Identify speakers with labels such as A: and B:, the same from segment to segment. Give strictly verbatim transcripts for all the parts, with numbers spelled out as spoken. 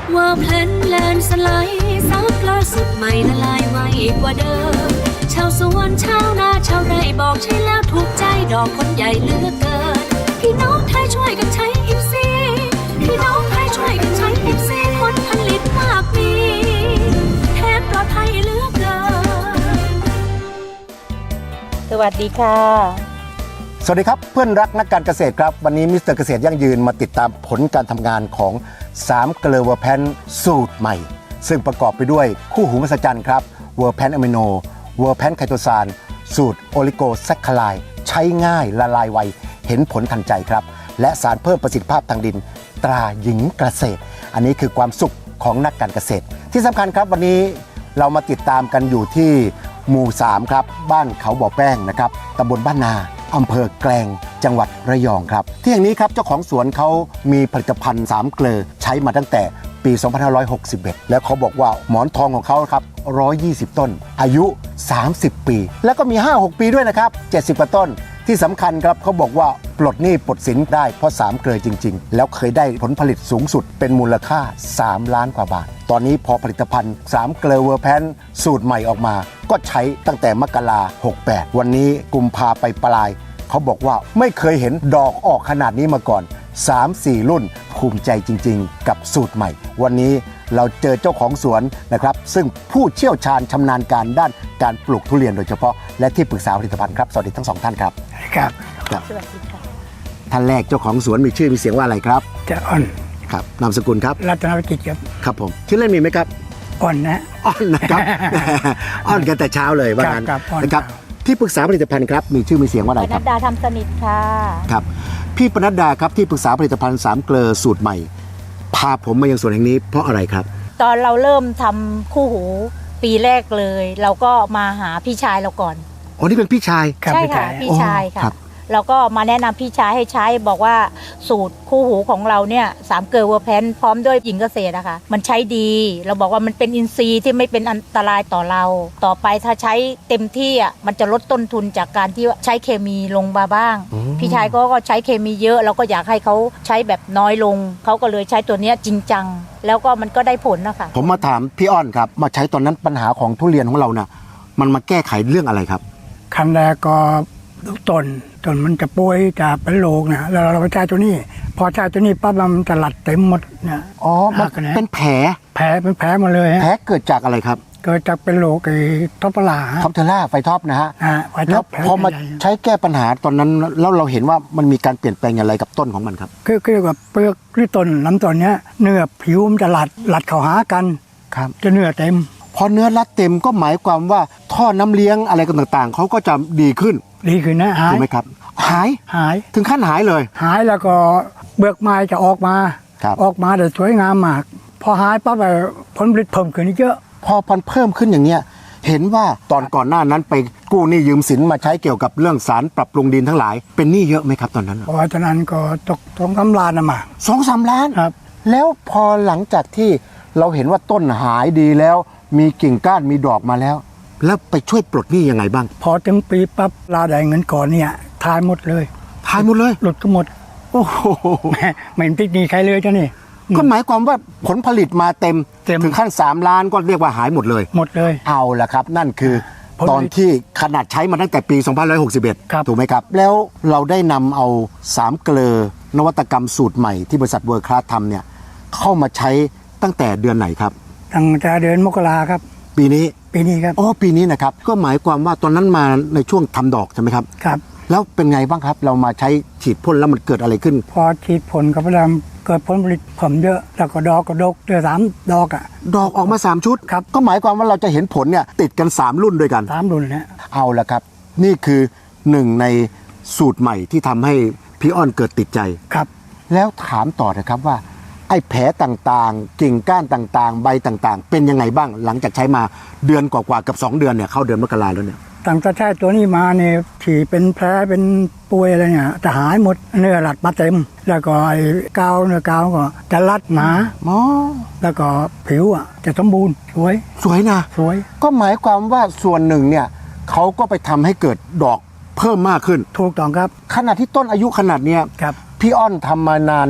A: ว่าเพลนแลนสไลด์ซับล่าสุดใหม่ละลายไวกว่าเดิมชาวสวนชาวนาชาวไร่บอกใช่แล้วถูกใจดอกคนใหญ่เหลือเกินพี่น้องไทยช่วยกันใช้อิฟซีพี่น้องไทยช่วยกันใช้อิฟซีผลผลิตมากมีแทนปลอดภัยเหลือเกิน
B: สวัสดีค่ะ
C: สวัสดีครับเพื่อนรักนักการเกษตรครับวันนี้มิสเตอร์เกษตรยั่งยืนมาติดตามผลการทำงานของสามเกลือเวอร์แพนสูตรใหม่ซึ่งประกอบไปด้วยคู่หูมหัศจรรย์ครับเวอร์แพนอะมิโนเวอร์แพนไคโตซานสูตรโอลิโกแซคคาไลด์ใช้ง่ายละลายไวเห็นผลทันใจครับและสารเพิ่มประสิทธิภาพทางดินตราหญิงเกษตรอันนี้คือความสุขของนักการเกษตรที่สำคัญครับวันนี้เรามาติดตามกันอยู่ที่หมู่สามครับบ้านเขาบ่อแป้งนะครับตำบลบ้านนาอำเภอแกลงจังหวัดระยองครับที่แห่งนี้ครับเจ้าของสวนเขามีผลิตภัณฑ์สามเกลือใช้มาตั้งแต่ปีสองพันห้าร้อยหกสิบเอ็ดแล้วเขาบอกว่าหมอนทองของเขาครับหนึ่งร้อยยี่สิบต้นอายุสามสิบปีแล้วก็มี ห้าหก ปีด้วยนะครับเจ็ดสิบกว่าต้นที่สำคัญครับเขาบอกว่าปลดหนี้ปลดสินได้เพราะสามเกลือจริงๆแล้วเคยได้ผลผลิตสูงสุดเป็นมูลค่าสามล้านกว่าบาทตอนนี้พอผลิตภัณฑ์สามเกลือเวอร์แพนสูตรใหม่ออกมาก็ใช้ตั้งแต่มกราหกแปดวันนี้กุมภาไปปลายเขาบอกว่าไม่เคยเห็นดอกออกขนาดนี้มาก่อน สามสี่ รุ่นภูมิใจจริงๆกับสูตรใหม่วันนี้เราเจอเจ้าของสวนนะครับซึ่งผู้เชี่ยวชาญชำนาญการด้านการปลูกทุเรียนโดยเฉพาะและที่ปรึกษาผลิตภัณฑ์ครับสวัสดีทั้งสองท่านครับ
D: ครับ
C: ครับ
B: สวัสดีค่ะ
C: ท่านแรกเจ้าของสวนมีชื่อมีเสียงว่าอะไรครับ
D: จะอ่อน
C: ครับนามสกุลครับ
D: รัตนวิจิตรครับ
C: ครับผมชื่อเล่นมีไหมครับ
D: อ่อนนะ
C: อ่อนนะครับ อ่อนกันแต่เช้าเลยว่างั้น
D: ครับครับ
C: นะครับที่ปรึกษาผลิตภัณฑ์ครับมีชื่อมีเสียงว่าอะไร
B: ป
C: ครับ
B: นัดดาทำสนิทค่ะ
C: ครับพี่ปนัดดาครับที่ปรึกษาผลิตภัณฑ์สามเกลือสูตรใหม่พาผมมายังสวนแห่งนี้เพราะอะไรครับ
B: ตอนเราเริ่มทำคู่หูปีแรกเลย เราก็มาหาพี่ชายเราก่อน
C: อ๋อนี่เป็นพี่ชาย
B: ใช่ค่ะพี่ชายค่ะเราก็มาแนะนำพี่ชายให้ใช้บอกว่าสูตรคู่หูของเราเนี่ยสามเกลือเวอร์แพนพร้อมด้วยหญิงเกษตรนะคะมันใช้ดีเราบอกว่ามันเป็นอินทรีย์ที่ไม่เป็นอันตรายต่อเราต่อไปถ้าใช้เต็มที่อ่ะมันจะลดต้นทุนจากการที่ใช้เคมีลงมาบ้างพี่ชายก็ใช้เคมีเยอะเราก็อยากให้เขาใช้แบบน้อยลงเขาก็เลยใช้ตัวเนี้ยจริงจังแล้วก็มันก็ได้ผลนะคะ
C: ผมมาถามพี่อ้อนครับมาใช้ตอนนั้นปัญหาของทุเรียนของเราน่ะมันมาแก้ไขเรื่องอะไรครับ
D: ขั้นแรกก็ต้นต้นมันจะป่วยจะเป็นโรคนะแล้วเราไปใช้ตัวนี้พอใช้ตัวนี้ปั๊บมันจะหลัดเต็มหมดเนี่ย
C: อ๋อมันเป็นแผล
D: แผลเป็นแผลหมดเลย
C: แผลเกิดจากอะไรครับ
D: เกิดจากเป็นโรคไอ้ท็อปลา
C: ท็อปเทล่าไฟท็อปนะฮะ
D: แล้ว
C: พอมาใช้แก้ปัญหาตอนนั้นแล้วเราเห็นว่ามันมีการเปลี่ยนแปลงอะไรกับต้นของมันครับ
D: คือคือกับเปลือกหรือต้นลำต้นเนี้ยเนื้อผิวมันจะหลัดหลัดเข้าหากัน
C: ครับ
D: จะเนื้อเต็ม
C: พอเนื้อรัดเต็มก็หมายความว่าท่อน้ำเลี้ยงอะไรต่างๆเขาก็จะดีขึ้น
D: ดีขึ้นนะหาย
C: ถูกไหมครับหาย
D: หาย
C: ถึงขั้นหายเลย
D: หายแล้วก็เบือกไม้จะออกมาออกมาแต่สวยงามมากพอหายปั๊บผลผลิตเพิ่มขึ้นเยอะ
C: พอพันเพิ่มขึ้นอย่างเนี้ยเห็นว่าตอนก่อนหน้านั้นไปกู้หนี้ยืมสินมาใช้เกี่ยวกับเรื่องสารปรับปรุงดินทั้งหลายเป็นหนี้เยอะไหมครับตอนนั้น
D: พอตอนนั้นก็ตกสองสามล้านนะมา
C: สองสามล้าน
D: ครับ
C: แล้วพอหลังจากที่เราเห็นว่าต้นหายดีแล้วมีกิ่งก้านมีดอกมาแล้วแล้วไปช่วยปลดหนี้ยังไงบ้าง
D: พอถึงปีปั๊บลาได้เงินก่อนเนี่ยทายหมดเลย
C: ทายหมดเลย
D: หลุดก็หมด
C: โอ้โห
D: ไม่ติดหนี้ใครเลยเจ้านี่
C: ก็หมายความว่าผลผลิตมาเต็มถึงขั้นสามล้านก็เรียกว่าหายหมดเลย
D: หมดเลย
C: เอาละครับนั่นคือตอนที่ขนาดใช้มาตั้งแต่ปีสองพันห้าร้อยหกสิบเอ็ดถูกไหมครับแล้วเราได้นำเอาสามเกลือนวัตกรรมสูตรใหม่ที่บริษัทเวิร์คคลาสทำเนี่ยเข้ามาใช้ตั้งแต่เดือนไหนครับ
D: ตั้งแต่เดือนมกราครับ
C: ปีนี้
D: ปีนี้ครับ
C: อ๋อปีนี้นะครับก็หมายความว่าตอนนั้นมาในช่วงทำดอกใช่ไหมครับ
D: ครับ
C: แล้วเป็นไงบ้างครับเรามาใช้ฉีดพ่นแล้วมันเกิดอะไรขึ้น
D: พอฉีดพ่นกับพลังเกิดผลผลิตเพิ่มเยอะแล้วก็ดอกก็ดกเดือนสามดอกอ่ะ
C: ดอกออกมาสามชุด
D: ครับ
C: ก็หมายความว่าเราจะเห็นผลเนี่ยติดกันสามรุ่นด้วยกัน
D: สามรุ่นเนี่ย
C: เอาละครับนี่คือหนึ่งในสูตรใหม่ที่ทำให้พี่อ้อนเกิดติดใจ
D: ครับ
C: แล้วถามต่อนะครับว่าไอ้แผลต่างๆกิ่งก้านต่างๆใบต่างๆเป็นยังไงบ้างหลังจากใช้มาเดือนกว่าๆกับสองเดือนเนี่ยเข้าเดือนมกราแล้วเนี่ย
D: ตั้งแต่ใช้ตัวนี้มาเนี่ยที่เป็นแผลเป็นป่วยอะไรเนี่ยจะหายหมดเนื้อหลัดมาเต็มแล้วก็ไอ้กาวเนื้อกาวก็จะรัดหนา
C: อ๋อ
D: แล้วก็ผิวอ่ะจะสมบูรณ์สวย
C: สวยนะ
D: สวย
C: ก็หมายความว่าส่วนหนึ่งเนี่ยเขาก็ไปทำให้เกิดดอกเพิ่มมากขึ้น
D: ถูกต้องครับ
C: ขนาดที่ต้นอายุขนาดเนี้ย
D: ครับ
C: พี่อ้อนทำมานานเนี่ย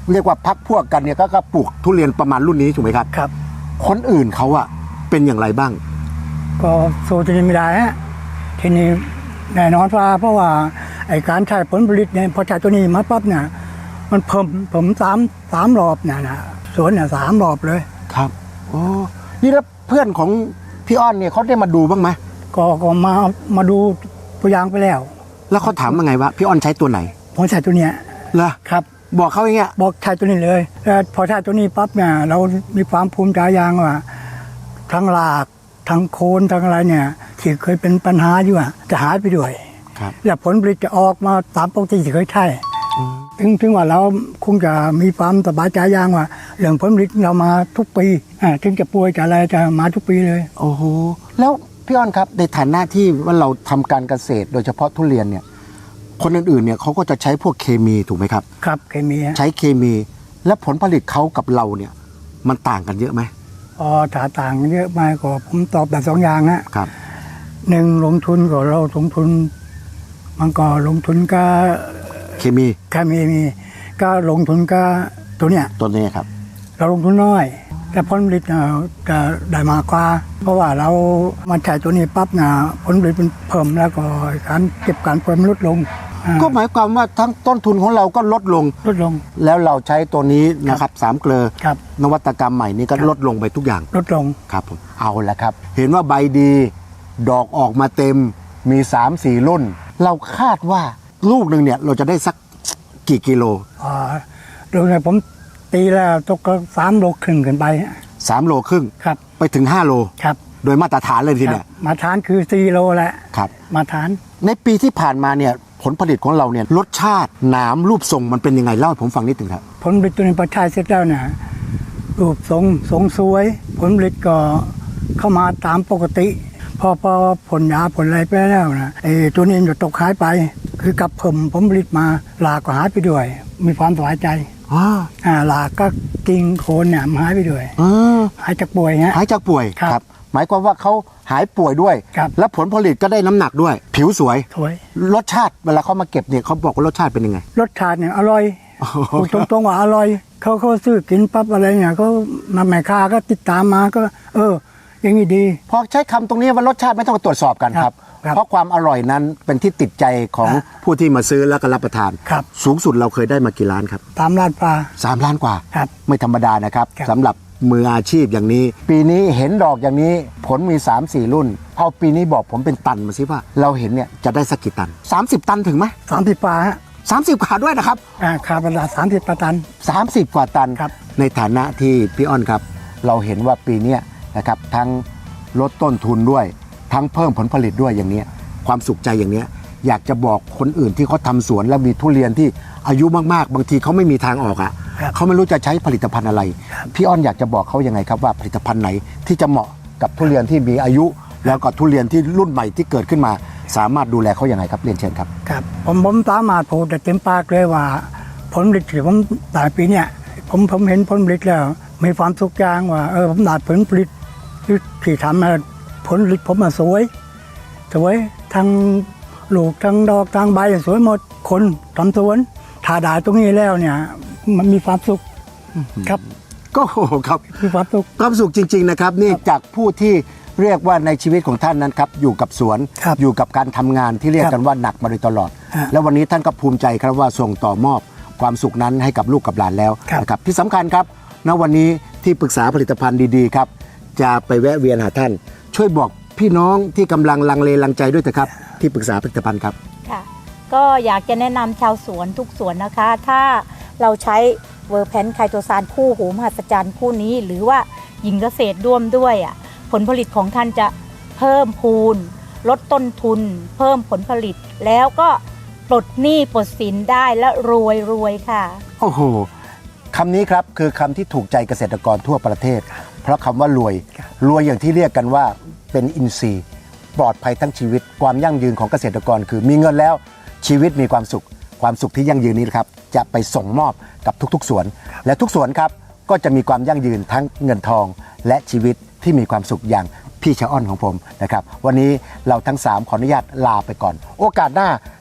C: เรียกว่าพักพวกกันเนี่ยก็ก็ปลูกทุเรียนประมาณรุ่นนี้ถูกไหมครับ
D: ครับ
C: คนอื่นเขาอะเป็นอย่างไรบ้าง
D: ก็สู้ตัวนี้ไม่ได้ฮะทีนี้แน่นอนว่าเพราะว่าไอ้การใช้ผลผลิตเนี่ยพอใช้ตัวนี้มาปั๊บเนี่ยมันเพิ่มผมสามสามรอบเนี่ยนะสวนเนี่ยสามรอบเลย
C: ครับโอ้นี่แล้วเพื่อนของพี่อ้อนเนี่ยเขาได้มาดูบ้างไหม
D: ก็ก็มามาดูตัวอย่างไปแล้ว
C: แล้วเขาถามว่าไงวะพี่อ้อนใช้ตัวไหน
D: ผมใช้ตัวเนี้ย
C: เหรอ
D: ครับ
C: บอกเขาอย่างเงี้ย
D: บอกใช้ตัวนี้เลยแล้วพอใช้ตัวนี้ปั๊บเนี่ยเรามีความภูมิใจอย่างว่าทั้งรากทั้งโคนทั้งอะไรเนี่ยที่เคยเป็นปัญหาอยู่อะจะหายไปด้วย
C: ครับ
D: และผลผลิตจะออกมาตามปกติที่เคยใช่ถึงถึงว่าเราคงจะมีความสบายใจอย่างว่าเรื่องผลผลิตเรามาทุกปีอ่าถึงจะป่วยจะอะไรจะมาทุกปีเลย
C: โอ้โหแล้วพี่อ้อนครับในฐานะที่ว่าเราทำการเกษตรโดยเฉพาะทุเรียนเนี่ยคนอื่นๆเนี่ยเขาก็จะใช้พวกเคมีถูกไหมครับ
D: ครับเคมีฮะ
C: ใช้เคมี และผลผลิตเขากับเราเนี่ยมันต่างกันเยอะไหม
D: อ๋อถ้าต่างเยอะมากก็ผมตอบแบบสองอย่างฮะ
C: ครับ
D: หนึ่งลงทุนก็เราลงทุนมันก็ลงทุนก็
C: เคมี
D: เคมีมีก็ลงทุนก็ตัวเนี้ย
C: ตัวนี้ครับ
D: เราลงทุนน้อย แต่ผลผลิตเนี่ยจะได้มากกว่า เพราะว่าเรามาใช้ตัวนี้ปั๊บเนี่ยผลผลิตมันเพิ่มแล้วก็การเก็บการผลมันลดลงอ่า
C: ก็หมายความว่าทั้งต้นทุนของเราก็ลดลง
D: ลดลง
C: แล้วเราใช้ตัวนี้นะครับสามเกลอ
D: ครับ
C: นวัตกรรมใหม่นี้ก็
D: ครับ
C: ลดลงไปทุกอย่าง
D: ลดลง
C: ครับผมเอาละครับ เห็นว่าใบดี ดอกออกมาเต็มมี สามสี่ รุ่น เราคาดว่าลูกหนึ่งเนี่ยเราจะได้สักกี่กิโล
D: อ่าโดยเนี่ยผมตีแล้วตกก็สามโลครึ่งขึ้นไป
C: สามโลครึ่ง
D: ครับ
C: ไปถึงห้าโล
D: ครับ
C: โดยมาตรฐานเลยที
D: ค
C: เนี่
D: รับ
C: ย
D: มาทานคือสี่โลแหละ
C: ครับ
D: มาทาน
C: ในปีที่ผ่านมาเนี่ยผลผลิตของเราเนี่ยรสชาติหนามรูปทรงมันเป็นยังไงเล่าให้ผมฟังนิดหนึ่งครับ
D: ผลผลิตตัวนี้พอใช้เสร็จแล้วเนี่ยรูปทรงทรงสวย ผลผลิตก็เข้ามาตามปกติ พอพอผลยาผลอะไรไปแล้วนะไอ้ตัวนี้จะตกหายไป คือกับเพิ่มผลผลิตมาหลากก็หายไปด้วย มีความสบายใจ
C: อ๋อ
D: อ่าหลากก็กิ่งโคนเนี่ยมันหายไปด้วย
C: เออ
D: หายจากป่วยฮะ
C: หายจากป่วย
D: ครับ
C: หมายความว่าเขาหายป่วยด้วย
D: ครับ
C: และผลผลิตก็ได้น้ำหนักด้วย ผิวสวย
D: สวย
C: รสชาติเวลาเขามาเก็บเนี่ยเขาบอกว่ารสชาติเป็นยังไง
D: รสชาติเนี่ยอร่อย
C: โอ้โห
D: พูดตรงๆว่าอร่อยเขาเขาซื้อกินปั๊บอะไรเนี่ยเขามาแม่ค้าก็ติดตามมาก็ เออ อย่างนี้ดี
C: พอใช้คำตรงนี้ว่ารสชาติไม่ต้องตรวจสอบกันครับ
D: ครับ
C: เพราะความอร่อยนั้นเป็นที่ติดใจของ
D: ครับ
C: ผู้ที่มาซื้อแล้วก็รับประทาน
D: ครับ
C: สูงสุดเราเคยได้มากี่ล้านครับ
D: ตามร้านปลา
C: สามล้านกว่า
D: ครับ
C: ไม่ธรรมดานะครับ
D: ครับ
C: สำหรับมืออาชีพอย่างนี้ ปีนี้เห็นดอกอย่างนี้ผลมี สามสี่ รุ่น เอาปีนี้บอกผมเป็นตันมาสิว่า เราเห็นเนี่ยจะได้สักกี่ตัน สามสิบ ตันถึงไหม
D: สามสิบปลาฮะ
C: สามสิบกว่าด้วยนะครับ
D: อ่าคาร์บอนไดสามสิบตัน
C: สามสิบ กว่าตัน
D: ครับ
C: ในฐานะที่พี่อ้อนครับ เราเห็นว่าปีเนี้ยนะครับทั้งลดต้นทุนด้วย ทั้งเพิ่มผลผลิตด้วยอย่างเนี้ยความสุขใจอย่างเนี้ยอยากจะบอกคนอื่นที่เขาทำสวนแล้วมีทุเรียนที่อายุมากๆ บางทีเขาไม่มีทางออกอ่ะ
D: ครับ
C: เขาไม่รู้จะใช้ผลิตภัณฑ์อะไร พี่อ้อนอยากจะบอกเขายังไงครับว่าผลิตภัณฑ์ไหนที่จะเหมาะกับทุเรียนที่มีอายุ แล้วก็ทุเรียนที่รุ่นใหม่ที่เกิดขึ้นมา สามารถดูแลเขาอย่างไรครับเรียนเชิญครับ
D: ครับผมผมสามารถพูดได้เต็มปากเลยว่า ผลผลิตที่ผมได้ปีเนี่ยผมผมเห็นผลผลิตแล้วมีความสุขอย่างว่าเออผมได้ผลผลิตที่ที่ทำมาผลผลิตผมมาสวยสวยทั้งลูกทั้งดอกทั้งใบสวยหมดคนทำสวนถ้าได้ตรงนี้แล้วเนี่ยมันมีความสุขครับ
C: ก็โอ้โหครับ
D: มีความสุข
C: ความสุขจริง ๆ นะครับ นี่จากผู้ที่เรียกว่าในชีวิตของท่านนั้นครับอยู่กับสวน
D: ครับ
C: อยู่กับการทำงานที่เรียก
D: ครับ
C: กันว่าหนักมาโดยตลอด
D: ฮะ
C: แล้ววันนี้ท่านก็ภูมิใจครับว่าส่งต่อมอบความสุขนั้นให้กับลูกกับหลานแล้ว
D: ครับ
C: นะครับที่สำคัญครับณวันนี้ที่ปรึกษาผลิตภัณฑ์ดีๆครับจะไปแวะเวียนหาท่าน ช่วยบอกพี่น้องที่กำลังลังเลลังใจด้วยเถอะครับที่ปรึกษาผลิตภัณฑ์ครับ
B: ค่ะก็อยากจะแนะนำชาวสวนทุกสวนนะคะ ถ้าเราใช้เวอร์แพนไคโตซานคู่หูมหัศจรรย์คู่นี้ หรือว่าหญิงเกษตรร่วมด้วยอ่ะผลผลิตของท่านจะเพิ่มพูน ลดต้นทุน เพิ่มผลผลิต แล้วก็ปลดหนี้ปลดสินได้และรวยรวยค่ะ
C: โอ้โหคำนี้ครับคือคำที่ถูกใจเกษตรกรทั่วประเทศ เพราะคำว่ารวย รวยอย่างที่เรียกกันว่าเป็นอินทรีย์ ปลอดภัยทั้งชีวิต ความยั่งยืนของเกษตรกรคือมีเงินแล้วชีวิตมีความสุข ความสุขที่ยั่งยืนนี้นะครับจะไปส่งมอบกับทุกๆสวน และทุกสวนครับก็จะมีความยั่งยืนทั้งเงินทอง และชีวิตที่มีความสุขอย่างพี่ชะอ้อนของผมนะครับวันนี้เราทั้งสามขออนุญาตลาไปก่อน โอกาสหน้า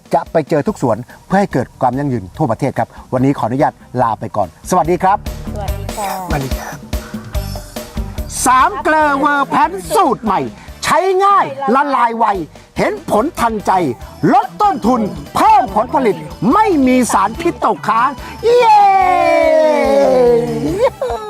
C: จะไปเจอทุกสวนเพื่อให้เกิดความยั่งยืนทั่วประเทศครับวันนี้ขออนุญาตลาไปก่อน สวัสดีครับ
B: สวัสดีค่ะ
C: สวัสดีครับสามเกลอเวอร์แพนสูตรใหม่ ใช้ง่ายละลายไว เห็นผลทันใจ ลดต้นทุน เพิ่มผลผลิต ไม่มีสารพิษตกค้าง เย้